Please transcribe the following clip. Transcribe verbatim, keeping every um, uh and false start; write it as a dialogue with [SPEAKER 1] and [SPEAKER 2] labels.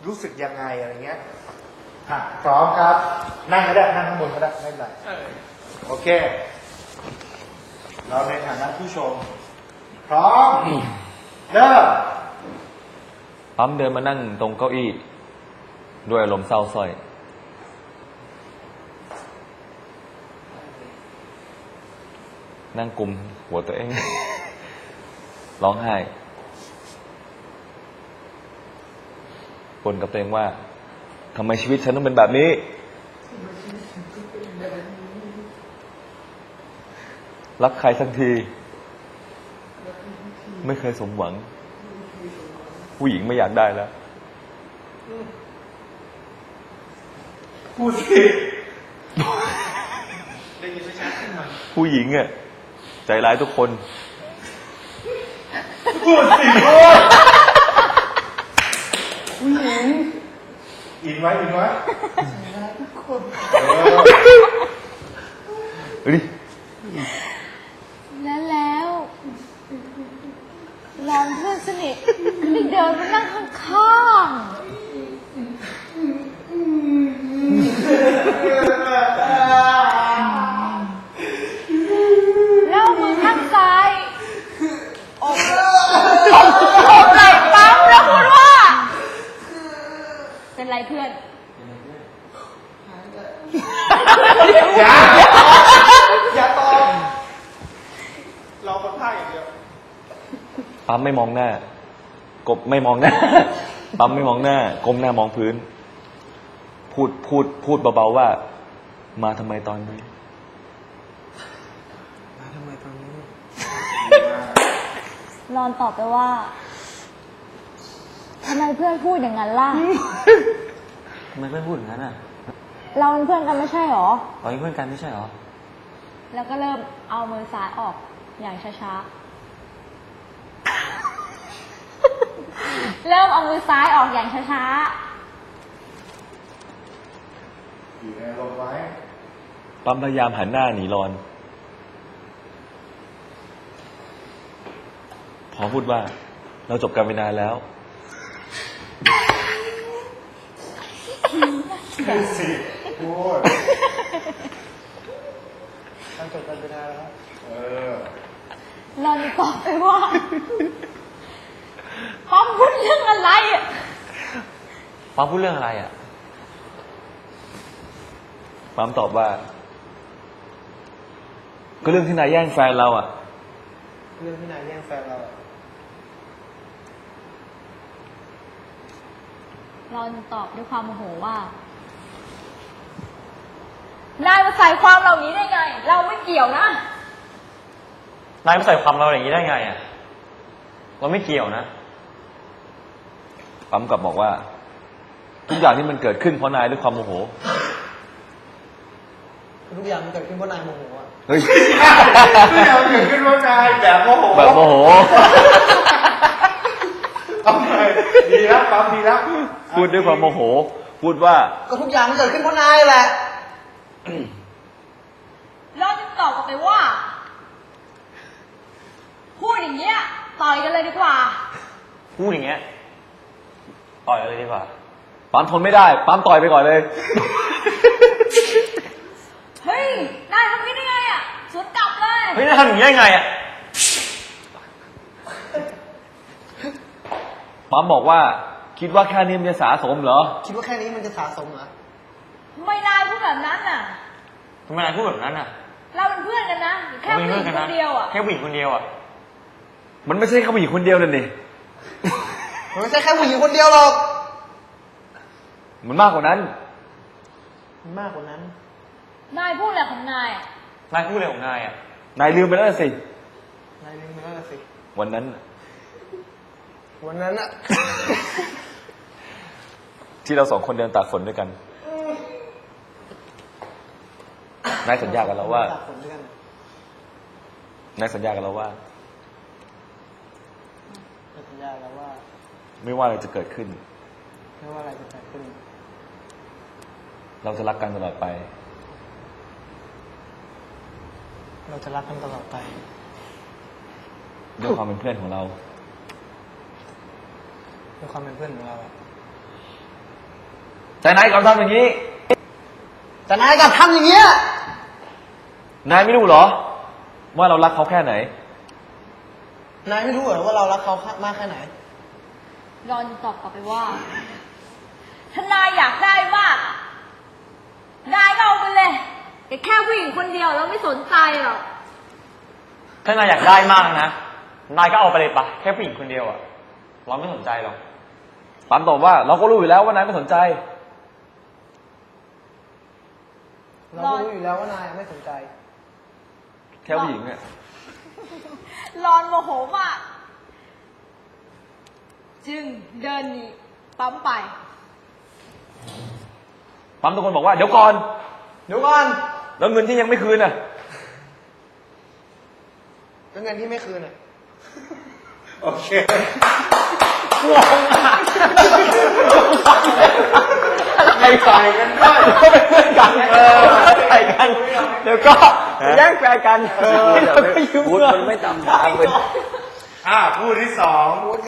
[SPEAKER 1] รู้สึกยังไงอะไรเงี้ยอ่ะพร้อมครับนั่งก็ได้นั่งข้างบนก็ได้ไม่เป็นไรโอเคเราในฐานะผู้ชมพร้อมเริ่ม
[SPEAKER 2] ปั๊มเดินมานั่งตรงเก้าอี้ด้วยอารมณ์เศร้าส้อยนั่งกุมหัวตัวเอง ร้องไห้บ่นกับตัวเองว่าทำไมชีวิตฉันต้องเป็นแบบนี้รักใครสักทีไม่เคยสมหวังผู้หญิงไม่อยากได้แล้ว
[SPEAKER 1] พูดสิ
[SPEAKER 2] ผู้หญิงอ่ะใจร้ายทุกคน
[SPEAKER 1] พูดสิพูดผู้หญิงอินไว้อินไว้ใจร้ายทุกคน
[SPEAKER 2] เฮ้ย
[SPEAKER 3] แล้วแล้วรอนเพื่อนสนิทก็ได้เดินมานั่งข้างๆแล้วมือข้างซ้ายอกอกไหล่ปั๊มแล้วพูดว่าเป็นไรเพื่อน
[SPEAKER 1] อย่าอย่าตอบเราคนท่าอย่างเดียว
[SPEAKER 2] ปั๊มไม่มองหน้ากบไม่มองหน้าปั๊มไม่มองหน้าก้มหน้ามองพื้นพูดพูดพูดเบาๆว่ามาทำไมตอนนี้
[SPEAKER 1] มาทำไมตอนนี้
[SPEAKER 3] รอนตอบไปว่าทำไมเพื่อนพูดอย่างนั้นล่ะ
[SPEAKER 2] ทำไมเพื่อนพูดอย่างนั้นอ่ะ
[SPEAKER 3] เราเป็นเพื่อนกันไม่ใช่หรอ
[SPEAKER 2] เราเป็นเพื่อนกันไม่ใช่หรอ
[SPEAKER 3] แล้วก็เริ่มเอามือซ้ายออกอย่างช้าๆเริ่มเอามือซ้ายออกอย่างช้า
[SPEAKER 1] ๆอยู่ในลมไว้
[SPEAKER 2] ปั๊มพยายามหันหน้าหนีรอนพอพูดว่าเราจบกันไปนานแล้ว
[SPEAKER 1] สิพูดเราจบกันไปนานแล้วเออ
[SPEAKER 3] รอนตอบไปว่าปั๊มพูดเรื่องอะไรอ่ะ
[SPEAKER 2] ปั๊มพูดเรื่องอะไรอ่ะปั๊มตอบว่าก็เรื่องที่นายแย่งแฟนเราอ่ะ
[SPEAKER 1] เรื่องที่นายแย่งแฟนเรา
[SPEAKER 3] รอนตอบด้วยความโมโหว่านายมาใส่ความเหล่านี้ได้ไงเราไม่เกี่ยวนะ
[SPEAKER 2] นายมาใส่ความเราอย่างนี้ได้ไงอ่ะเราไม่เกี่ยวนะปั๊มกลับบอกว่าทุกอย่างที่มันเกิดขึ้นเพราะนายด้วยความโมโห
[SPEAKER 4] ทุกอย่างมันเกิดขึ้นเพราะนายโมโหอ่ะ
[SPEAKER 2] เฮ้ย
[SPEAKER 1] ทุกอย่างเกิดขึ้นเพราะนายแบบโมโห
[SPEAKER 2] แบบโมโห
[SPEAKER 1] เอาไปดีแล้วปั๊มดีแล้ว
[SPEAKER 2] พูดด้วยความโมโหพูดว่า
[SPEAKER 4] ก็ทุกอย่างมันเกิดขึ้นเพราะนายแหละ
[SPEAKER 3] เราจะตอบกลับไปว่าพูดอย่างเงี้ยต่อยกันเลยดีกว่า
[SPEAKER 2] พูดอย่างเงี้ยต่อยกันเลยดีกว่าปั๊มทนไม่ได้ปั๊มต่อยไปก่อนเลย
[SPEAKER 3] เฮ้ยนายทำนี้ได้ไงอ่ะสวนกลับเลย
[SPEAKER 2] เฮ้ยนายทำอย่างนี้ได้ไงอ่ะปั๊มบอกว่าคิดว่าแค่นี้มันจะสะสมเหรอ
[SPEAKER 4] คิดว่าแค่นี้มันจะสะสมเหรอ
[SPEAKER 3] ทำไมนายพูดแบบนั้นน่ะ
[SPEAKER 2] ทำไมนายพูดแบบนั้นอ่ะ
[SPEAKER 3] เราเป็นเพื่อนกันนะแค่ผู้หญิงคนเดียวอ่ะ
[SPEAKER 2] แค่ผู้หญิงคนเดียวอ่ะมันไม่ใช่แค่ผู้หญิงคนเดียวนั่นดิ
[SPEAKER 4] มันไม่ใช่แค่ผู้หญิงคนเดียวหรอก
[SPEAKER 2] มันมากกว่านั้น
[SPEAKER 4] มันมากกว่านั้น
[SPEAKER 3] นายพูดอะไรของนาย
[SPEAKER 2] นายพูดอะไรของนายอ่ะนายลืมไปแล้วสิ
[SPEAKER 4] นายลืมไปแล้วสิ
[SPEAKER 2] วันนั้น
[SPEAKER 4] วันนั้นอะ
[SPEAKER 2] ที่เราสองคนเดินตากฝนด้วยกันนายสัญญากันแล้วว่านายสัญญากันแล้วว่า
[SPEAKER 4] สัญญาแล้วว่า
[SPEAKER 2] ไม่ว่าอะไรจะเกิดขึ้น
[SPEAKER 4] ไม่ว่าอะไรจะเกิดขึ้น
[SPEAKER 2] เราจะรักกันตลอดไป
[SPEAKER 4] เราจะรักกันตลอดไป
[SPEAKER 2] ด้วยความเป็นเพื่อนของเรา
[SPEAKER 4] ด้วยความเป็นเพื่อนของเรา
[SPEAKER 2] แต่นายกลับทำอย่างนี้
[SPEAKER 4] แต่นายกลับทำอย่างเงี้ย
[SPEAKER 2] นายไม่รู้เหรอ ว่าเรารักเขาแค่ไหน
[SPEAKER 4] นายไม่รู้เหรอว่าเรารักเขามากแค่ไหน
[SPEAKER 3] รอนตอบกลับไปว่าถ้านายอยากได้มากนายก็เอาไปเลยแต่แค่ผู้หญิงคนเดียวแล้วไม่สนใจหรอก
[SPEAKER 5] ถ้านายอยากได้มากนะ นายก็เอาไปเลยปะแค่ผู้หญิงคนเดียวอะเราไม่สนใจหรอก
[SPEAKER 2] ปั๊มตอบว่าเราก็รู้อยู่แล้วว่านายไม่สนใจ
[SPEAKER 4] เราก็รู้อยู่แล้วว่านายไม่สนใจ
[SPEAKER 2] แค่ผู้หญิงเนี่ย
[SPEAKER 3] รอนโมโหมากจึงเดินหนีปั๊มไป
[SPEAKER 2] ปั๊มทุกคนบอกว่าเดี๋ยวก่อน
[SPEAKER 4] เดี๋ยวก่อน
[SPEAKER 2] แล้วเงินที่ยังไม่คืนน่ะ
[SPEAKER 4] แล้วเงินที่ไม่คืนอ่ะ
[SPEAKER 1] โอเค
[SPEAKER 2] ไม่ใส่กันด้วยก็เป็นเพื่อนกันเออใส่กัน เดี๋ยวก็แย่งแฟนกัน เออเดี๋ยวพูดมันไม่ตามทางเลย
[SPEAKER 1] อ่าคู่ที่สอง